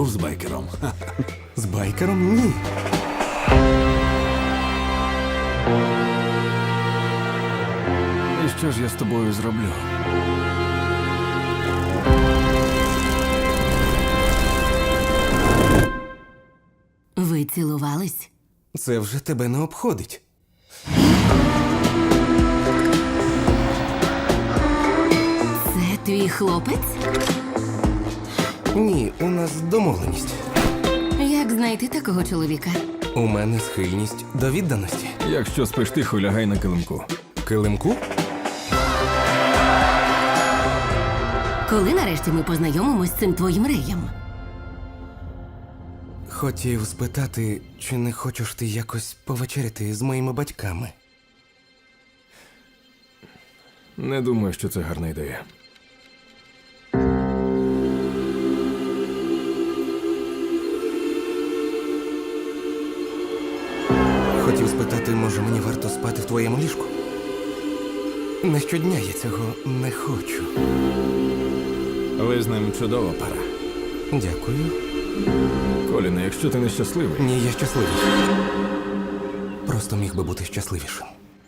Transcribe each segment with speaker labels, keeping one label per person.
Speaker 1: був з байкером?
Speaker 2: З байкером? Ні.
Speaker 1: І що ж я з тобою зроблю?
Speaker 3: Ви цілувались?
Speaker 2: Це вже тебе не обходить.
Speaker 3: Це твій хлопець?
Speaker 2: Ні, у нас домовленість.
Speaker 3: Як знайти такого чоловіка?
Speaker 2: У мене схильність до відданості.
Speaker 1: Якщо спиш тихо, лягай на килимку.
Speaker 2: Килимку?
Speaker 3: Коли нарешті ми познайомимось з цим твоїм реєм?
Speaker 2: Хотів спитати, чи не хочеш ти якось повечеряти з моїми батьками?
Speaker 1: Не думаю, що це гарна ідея.
Speaker 2: Хотів спитати, може мені варто спати в твоєму ліжку? Не щодня я цього не хочу.
Speaker 1: Ви з ним чудова пара.
Speaker 2: Дякую.
Speaker 1: Коліне, якщо ти нещасливий,
Speaker 2: Ні, я щасливий. Просто міг би бути щасливішим.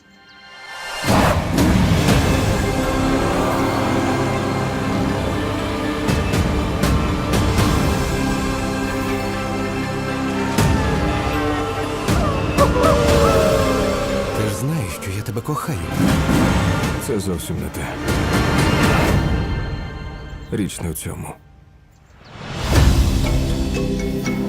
Speaker 2: Ти ж знаєш, що я тебе кохаю.
Speaker 1: це зовсім не те. Річ не у цьому.